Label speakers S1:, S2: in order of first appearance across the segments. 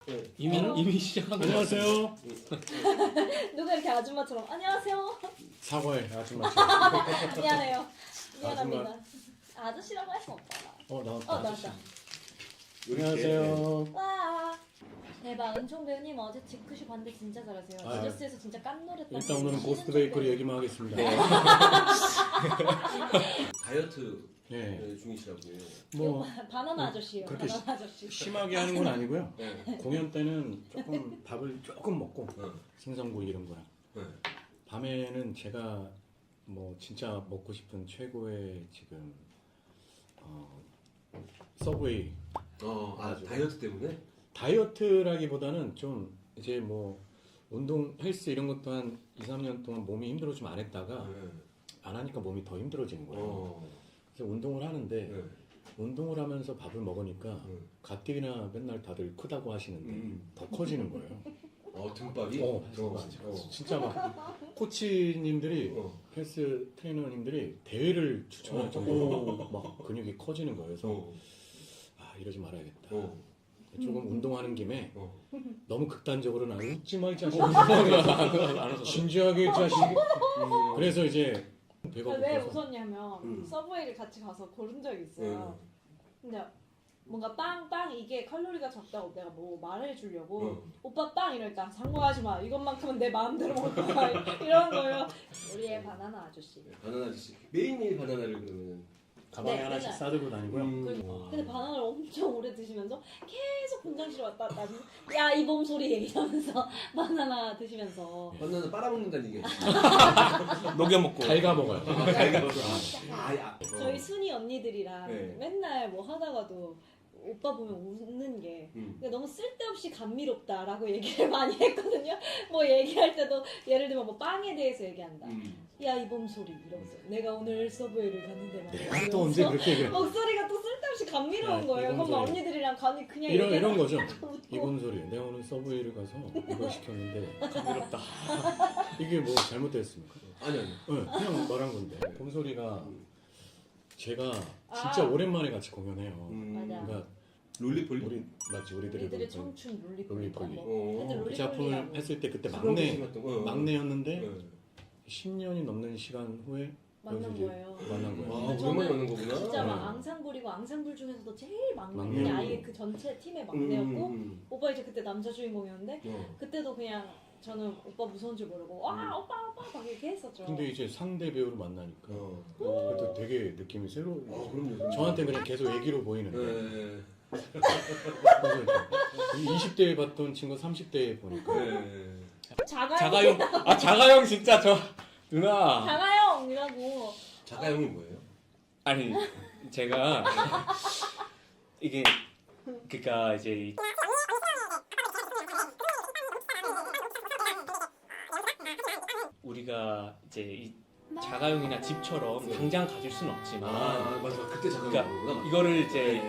S1: 네.
S2: 이미 시작한 거
S3: 안녕하세요.
S4: 누가 이렇게 아줌마처럼 안녕하세요.
S3: 사과해 아줌마.
S4: 미안해요. 미안합니다. 아저씨라고 할 수 없잖아.
S3: 나왔다.
S4: 나왔다.
S3: 안녕하세요.
S4: 와. 대박. 은총 배우님 어제 지크슈 봤는데 진짜 잘하세요.
S3: 아,
S4: 지저스에서 진짜 깜놀했다.
S3: 일단 오늘은 고스트 베이커리 얘기만 하겠습니다.
S1: 다이어트
S3: 네.
S1: 중이시라고.
S3: 뭐
S4: 바나나 아저씨예요.
S3: 그렇게
S4: 바나나 아저씨.
S3: 심하게 하는 건 아니고요.
S1: 네.
S3: 공연 때는 조금 밥을 조금 먹고
S1: 네.
S3: 생선구이 이런 거랑
S1: 네.
S3: 밤에는 제가 뭐 진짜 먹고 싶은 최고의 지금 서브웨이.
S1: 다이어트 때문에?
S3: 다이어트라기보다는 좀 이제 뭐 운동 헬스 이런 것도 한 2, 3년 동안 몸이 힘들어 좀 안 했다가 안 하니까 몸이 더 힘들어지는 거예요. 그래서 운동을 하는데
S1: 네.
S3: 운동을 하면서 밥을 먹으니까 가뜩이나 맨날 다들 크다고 하시는데 더 커지는 거예요.
S1: 등밥이?
S3: 진짜 막 코치님들이 헬스 트레이너님들이 대회를 추천할 정도로 막 근육이 커지는 거예요. 그래서 이러지 말아야겠다. 조금 운동하는 김에 너무 극단적으로는 안 웃지 마 이 자식. 진지하게 이 자식. 그래서 이제 배가
S4: 왜
S3: 고파서
S4: 웃었냐면 서브웨이를 같이 가서 고른 적이 있어요. 근데 뭔가 빵 이게 칼로리가 적다고 내가 뭐 말해주려고 오빠 빵 이러니까 상관하지 마 이것만큼은 내 마음대로 먹을 거야 이런 거예요. 우리의 바나나 아저씨.
S1: 바나나 아저씨. 매일매일 바나나를 그러면.
S3: 가방에
S4: 네,
S3: 하나씩
S4: 맨날.
S3: 싸들고 다니고요.
S4: 근데 바나나를 엄청 오래 드시면서 계속 분장실 왔다 갔다 하시면서 야 이 몸 소리 얘기하면서 바나나 드시면서
S1: 바나나 빨아먹는다는 얘기야.
S2: 녹여먹고
S3: 달가 먹어요.
S4: 저희 순이 언니들이랑
S1: 네.
S4: 맨날 뭐 하다가도 오빠 보면 웃는 게 근데 너무 쓸데없이 감미롭다라고 얘기를 많이 했거든요. 뭐 얘기할 때도 예를 들면 뭐 빵에 대해서 얘기한다. 야 이 몸 소리 이러면서 내가 오늘 서브웨이를 갔는데 말이야.
S3: 내가 또 언제 그렇게 얘기해?
S4: 목소리가 또 쓸데없이 감미로운
S3: 네,
S4: 거예요.
S3: 이
S4: 그럼
S3: 몸 소리.
S4: 언니들이랑 가니 그냥
S3: 이런 거죠.
S4: 웃고.
S3: 이번 소리. 내가 오늘 서브웨이를 가서 이걸 시켰는데 감미롭다. 이게 뭐 잘못됐습니까?
S1: 아니.
S3: 네, 그냥 말한 건데. 봄소리가 제가 진짜 오랜만에 같이 공연해요.
S4: 맞아.
S3: 그러니까
S1: 롤리폴리?
S3: 우리들의
S4: 우리들의 청춘 롤리폴리.
S3: 롤리폴리.
S4: 롤리폴리.
S3: 그 작품을 했을 때 그때
S1: 어.
S3: 막내였는데 10년이 넘는 시간 후에
S4: 만난
S3: 여기서 이제
S4: 거예요.
S3: 만난 거예요.
S1: 오랜만에 만난 거구나.
S4: 진짜 막
S3: 네.
S4: 앙상블이고 앙상블 중에서도 제일 막내.
S3: 막내.
S4: 아예 그 전체 팀의 막내였고 오빠 이제 그때 남자 주인공이었는데 그때도 그냥 저는 오빠 무서운 줄 모르고 와 오빠 막 이렇게 했었죠.
S3: 근데 이제 상대 배우로 만나니까 그래도 되게 느낌이 새로워.
S1: 그럼요.
S3: 저한테 그냥 계속 애기로 보이는데
S1: 네.
S3: 그래서 이제 20대에 봤던 친구 30대에 보니까
S1: 네.
S2: 자가용 자가용 진짜 저 누나
S4: 자가용이라고.
S1: 자가용이 뭐예요?
S2: 아니 제가 이게 그니까 이제 우리가 이제 이 자가용이나 집처럼 당장 가질 수는 없지만
S1: 맞아. 그때
S2: 그러니까
S1: 자가용이구나.
S2: 이거를 이제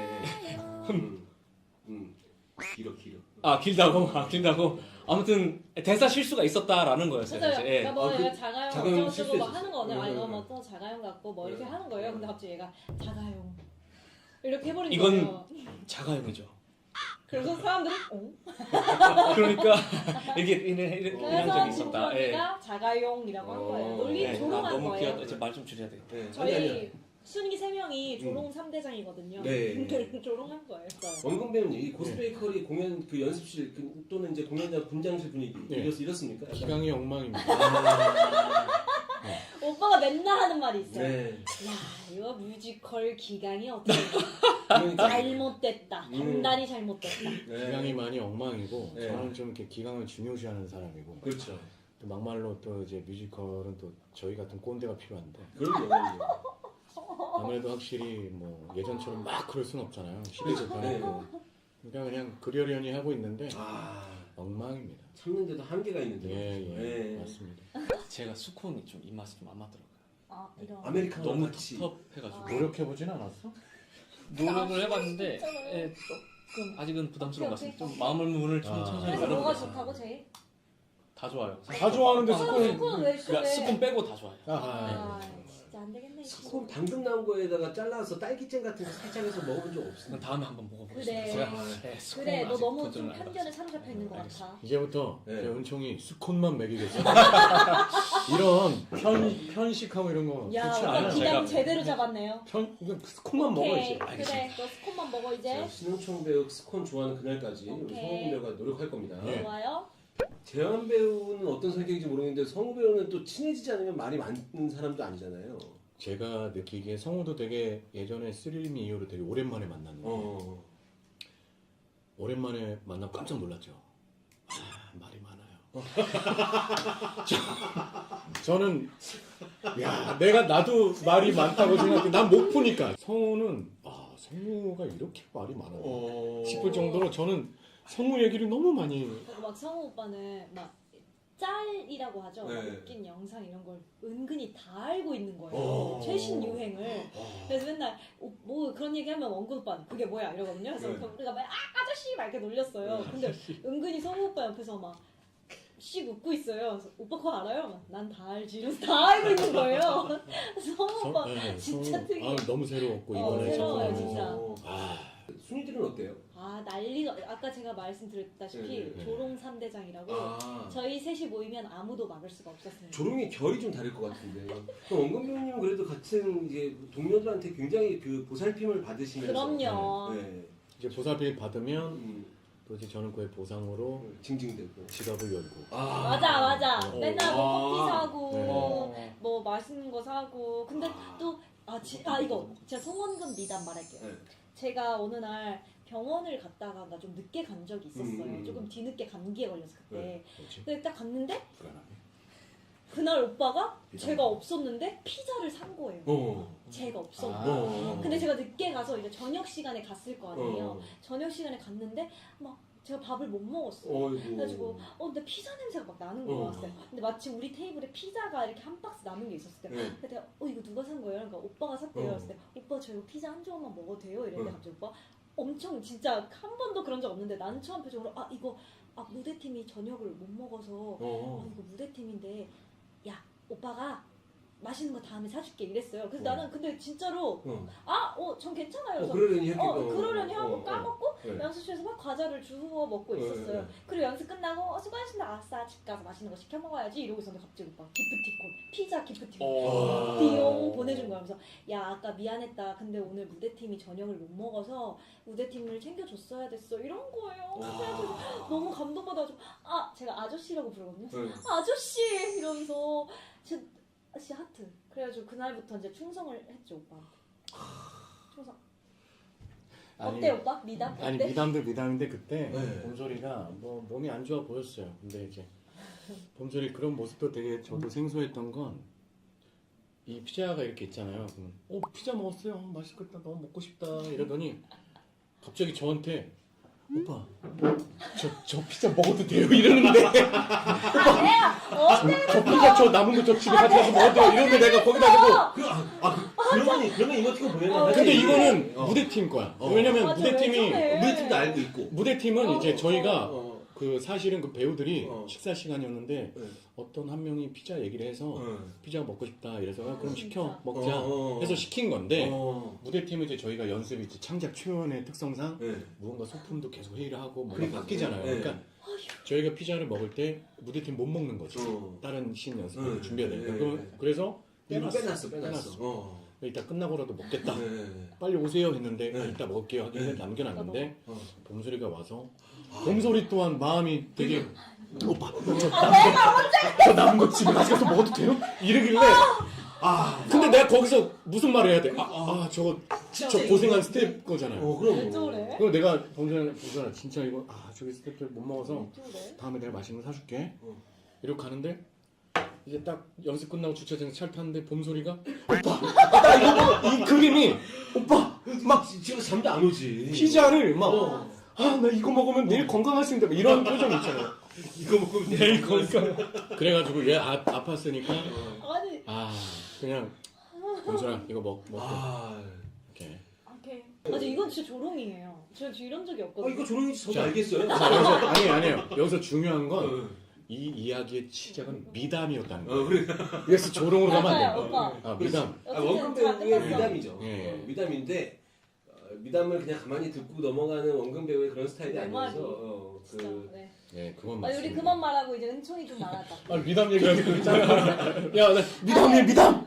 S2: 길다고 아무튼 대사 실수가 있었다라는 거였어요.
S4: 맞아요.
S2: 이제. 예.
S4: 그러니까 뭐
S1: 그
S4: 얘가 자가용
S1: 자가용
S4: 어쩌고저쩌고 막
S1: 실수했었어.
S4: 하는 거는
S1: 네,
S4: 이거
S1: 네,
S4: 뭐 또 자가용 같고 뭐 이렇게
S1: 네.
S4: 하는 거예요. 근데 갑자기 얘가 자가용 이렇게 해버린
S2: 이건
S4: 거예요.
S2: 자가용이죠.
S4: 그래서 사람들이 어?
S2: 그러니까 이런
S4: 그래서
S2: 적이 있었다. 예.
S4: 김수원이가 자가용이라고 한 거예요. 논리
S2: 네,
S4: 조롱한
S2: 너무
S4: 거예요.
S2: 귀엽다. 말좀 줄여야 되겠다.
S1: 네.
S4: 저희 순이 3명이 조롱 3대장이거든요.
S1: 네.
S4: 조롱한 거예요.
S1: 원근 배우님, 이 고스베이커리 공연 그 연습실 또는 이제 공연장 분장실 분위기
S3: 네.
S1: 이렇습니까? 약간?
S3: 기강이 엉망입니다.
S4: 오빠가 맨날 하는 말이 있어요.
S1: 네.
S4: 야, 이거 뮤지컬 기강이 어떻게
S1: 그러니까.
S4: 잘못됐다. 판단이 잘못됐다.
S1: 네.
S3: 기강이 많이 엉망이고
S1: 네.
S3: 저는 좀 이렇게 기강을 중요시하는 사람이고
S1: 그렇죠.
S3: 또 막말로 또 이제 뮤지컬은 또 저희 같은 꼰대가 필요한데
S1: 그럼요.
S3: 아무래도 확실히 뭐 예전처럼 막 그럴 순 없잖아요. 시대도 변했고 그러니까 그냥 그러려니 하고 있는데 엉망입니다.
S1: 참는데도 한계가 있는데.
S3: 예,
S1: 네.
S3: 맞습니다.
S2: 제가 수콘이 좀 입맛이 좀 안 맞더라고요.
S4: 아, 이런.
S1: 아메리카노
S2: 너무
S1: 같이.
S2: 텁텁해가지고
S3: 노력해보진 않았어?
S2: 노력을 해봤는데 예, 조금 아직은 부담스러운 것
S4: 오케이,
S2: 같습니다.
S4: 오케이.
S2: 좀 마음을 좀 천천히
S4: 그래서 뭐가
S2: 열어보자.
S4: 좋다고 제일?
S2: 다 좋아요.
S3: 다 좋아하는데
S4: 스콘은 왜 싫어해?
S2: 그러니까 스푼 빼고 다 좋아요.
S4: 아, 진짜. 안 되겠네. 이
S1: 스콘
S4: 친구.
S1: 방금 나온 거에다가 잘라서 딸기잼 같은 거 살짝 해서 먹어본 적
S2: 그럼
S1: 없습니다.
S2: 다음에 한번 먹어보겠습니다.
S4: 그래.
S2: 제가 네, 스콘
S4: 그래, 너
S2: 아직
S4: 너무 좀
S2: 도전을 안
S4: 편견에
S2: 해봤어요.
S4: 사로잡혀 있는 것
S2: 알겠습니다.
S4: 같아.
S3: 이제부터
S1: 네.
S3: 제 은총이 스콘만 먹이겠어. 이런 편식하고 이런 거
S4: 야,
S3: 좋지
S4: 오빠
S3: 않아요.
S4: 기강
S2: 제가-
S4: 제대로 잡았네요.
S3: 이거 스콘만 먹어
S4: 오케이,
S3: 이제.
S4: 그래, 너 스콘만 먹어 이제.
S1: 자, 신흥총 배우 스콘 좋아하는 그날까지 우리
S4: 오케이.
S1: 성우 배우가 노력할 겁니다.
S3: 네.
S4: 좋아요.
S1: 재환 배우는 어떤 성격인지 모르겠는데 성우 배우는 또 친해지지 않으면 말이 많은 사람도 아니잖아요.
S3: 제가 느끼기에 성우도 되게 예전에 스릴미 이후로 되게 오랜만에 만났는데 오랜만에 만나고 깜짝 놀랐죠. 아, 말이 많아요. 저는 야 나도 말이 많다고 생각해. 난 못 푸니까 성우는 성우가 이렇게 말이 많아요 싶을 정도로 저는 성우 얘기를 너무 많이.
S4: 그리고 막 성우 오빠는 막 짤이라고 하죠. 막
S1: 네.
S4: 웃긴 영상 이런 걸 은근히 다 알고 있는 거예요. 최신 유행을. 그래서 맨날 뭐 그런 얘기하면 원근 오빠는 그게 뭐야 이러거든요. 그래서
S1: 네.
S4: 우리가 막 아저씨 막 이렇게 놀렸어요. 근데 은근히 성우 오빠 옆에서 막 씩 웃고 있어요. 그래서 오빠 그거 알아요? 난 다 알지. 이러면서 다 알고 있는 거예요. 성우 오빠 진짜
S3: 성우,
S4: 특이해.
S3: 너무 새로웠고 이번에
S4: 새로워요,
S3: 정말.
S4: 진짜.
S1: 순위들은 어때요?
S4: 난리가. 아까 제가 말씀드렸다시피
S1: 네.
S4: 조롱 3대장이라고 저희 셋이 모이면 아무도 막을 수가 없었습니다.
S1: 조롱의 결이 좀 다를 것 같은데. 그럼 원근 배우님은 그래도 같은 이제 동료들한테 굉장히 그 보살핌을 받으시면서.
S4: 그럼요.
S1: 네.
S3: 이제 보살핌 받으면 또 이제 저는 그의 보상으로
S1: 징징대고.
S3: 지갑을 열고.
S4: 맞아. 맨날 뭐 커피
S3: 네.
S4: 사고 뭐 맛있는 거 사고. 근데 또 이거 제가 송원금 미담 말할게요.
S1: 네.
S4: 제가 어느 날 병원을 갔다가 나 좀 늦게 간 적이 있었어요. 조금 뒤늦게 감기에 걸려서 그때.
S1: 네.
S3: 뭐지?
S4: 근데 딱 갔는데
S3: 불안하네.
S4: 그날 오빠가 제가 없었는데 피자를 산 거예요. 제가 없었는데. 근데 제가 늦게 가서 이제 저녁 시간에 갔을 거 아니에요. 저녁 시간에 갔는데 막 제가 밥을 못 먹었어요. 그래가지고 근데 피자 냄새가 막 나는 거야. 근데 마침 우리 테이블에 피자가 이렇게 한 박스 남은 게 있었을 때 근데 내가 이거 누가 산 거예요? 그러니까 오빠가 샀대요. 그랬을 때 오빠 저 이거 피자 한 조각만 먹어도 돼요? 이랬는데 갑자기 오빠 엄청 진짜 한 번도 그런 적 없는데 나는 처음 표정으로 이거 무대팀이 저녁을 못 먹어서 이거 무대팀인데 야 오빠가 맛있는 거 다음에 사줄게 이랬어요. 그래서 나는 근데 진짜로 전 괜찮아요. 그래서
S1: 그러려니 했겠다.
S4: 그러려니 하고 까먹고
S1: 네.
S4: 연습실에서 막 과자를 주워 먹고 있었어요. 그리고 연습 끝나고 수고하셨습니다. 아싸 집 가서 맛있는 거 시켜 먹어야지 이러고 있었는데 갑자기 오빠 기프티콘 피자 기프티콘 띠용 보내준 거야. 그래서 야 아까 미안했다. 근데 오늘 무대팀이 저녁을 못 먹어서 무대팀을 챙겨줬어야 됐어 이런 거예요. 그래가지고 너무 감동받아가지고 제가 아저씨라고 부르거든요. 아저씨 이러면서 씨 하트. 그래가지고 그날부터 이제 충성을 했죠 오빠한테. 충성. 어때 오빠? 미담? 어때?
S3: 아니 미담인데 그때
S1: 네.
S3: 봄소리가 뭐 몸이 안 좋아 보였어요. 근데 이제 봄소리 그런 모습도 되게 저도 생소했던 건 이 피자가 이렇게 있잖아요. 그러면 피자 먹었어요. 맛있겠다. 너무 먹고 싶다. 이러더니 갑자기 저한테 오빠 저 피자 먹어도 돼요? 이러는데 저 피자 저 남은 거 저 집에 가져가서 먹어도 돼요? 이러는데 내가 거기다 대고
S1: 그러면 이모티콘 보내면
S3: 근데 이거는 무대팀 거야. 왜냐면
S4: 맞아,
S3: 무대팀이
S4: 왜 저래?
S1: 무대팀도 알고 있고.
S3: 무대팀은 이제 저희가 그 사실은 그 배우들이
S1: 어.
S3: 식사 시간이었는데
S1: 네.
S3: 어떤 한 명이 피자 얘기를 해서 피자 먹고 싶다 이래서 그럼 시켜
S4: 진짜.
S3: 먹자 해서 시킨 건데
S1: 어.
S3: 무대팀은 이제 저희가 연습이 이제 창작 초연의 특성상
S1: 네.
S3: 무언가 소품도 계속 회의를 하고 뭔가
S1: 그러니까.
S3: 바뀌잖아요.
S1: 네.
S3: 그러니까 저희가 피자를 먹을 때 무대팀 못 먹는 거지. 다른 신 연습을 준비해야 되니까. 그래서
S1: 빼놨어.
S3: 이따 끝나고라도 먹겠다.
S1: 네.
S3: 빨리 오세요 했는데
S1: 네.
S3: 이따 먹을게요 하길래 남겨놨는데
S1: 어.
S3: 봄소리가 와서 봄소리 또한 마음이 되게 오빠 저 남은 거 집에 가져가서 먹어도 돼요? 이러길래 근데 내가 거기서 무슨 말을 해야 돼? 저 고생한 스텝 거잖아요.
S1: 그럼.
S4: 왜 저래?
S3: 그럼 내가 봄소리가 진짜 이거 저기 스텝들 못 먹어서
S4: 왜 저래?
S3: 다음에 내가 맛있는 거 사줄게 이러고 가는데 이제 딱 연습 끝나고 주차장에서 차를 탔는데 봄소리가 오빠 이 그림이 오빠
S1: 막 집에 잠도 안 오지.
S3: 피자를 막 나 이거 먹으면 내일 건강할 수 있는데 이런 표정 있잖아요.
S1: 이거 먹으면
S3: 내일 건강. 그래가지고 얘 아팠으니까
S4: 아니
S3: 그냥 봄소라 이거 먹고 이렇게.
S4: 오케이. 맞아 이건 진짜 조롱이에요. 저 이런 적이 없거든요.
S1: 이거 조롱인지 저도 알겠어요.
S3: 자 여기서 아니에요. 여기서 중요한 건 이 이야기의 시작은 미담이었다는
S1: 어,
S3: 거예요. 그래서 조롱으로 가면 안
S4: 맞아요,
S3: 된다.
S4: 오빠.
S3: 아 미담.
S1: 원근
S4: 어쨌든 다
S1: 배우의
S4: 끝났어.
S1: 미담이죠.
S3: 예.
S1: 미담인데 미담을 그냥 가만히 듣고 넘어가는 원근 배우의 그런 스타일이
S4: 내 말이.
S1: 아니어서
S4: 진짜. 네.
S3: 예, 그건
S4: 우리
S3: 맞습니다.
S4: 그만 말하고 이제 은총이 좀 말하자.
S3: 아 미담 얘기하니까 괜찮아. 야, 나 미담이야 미담.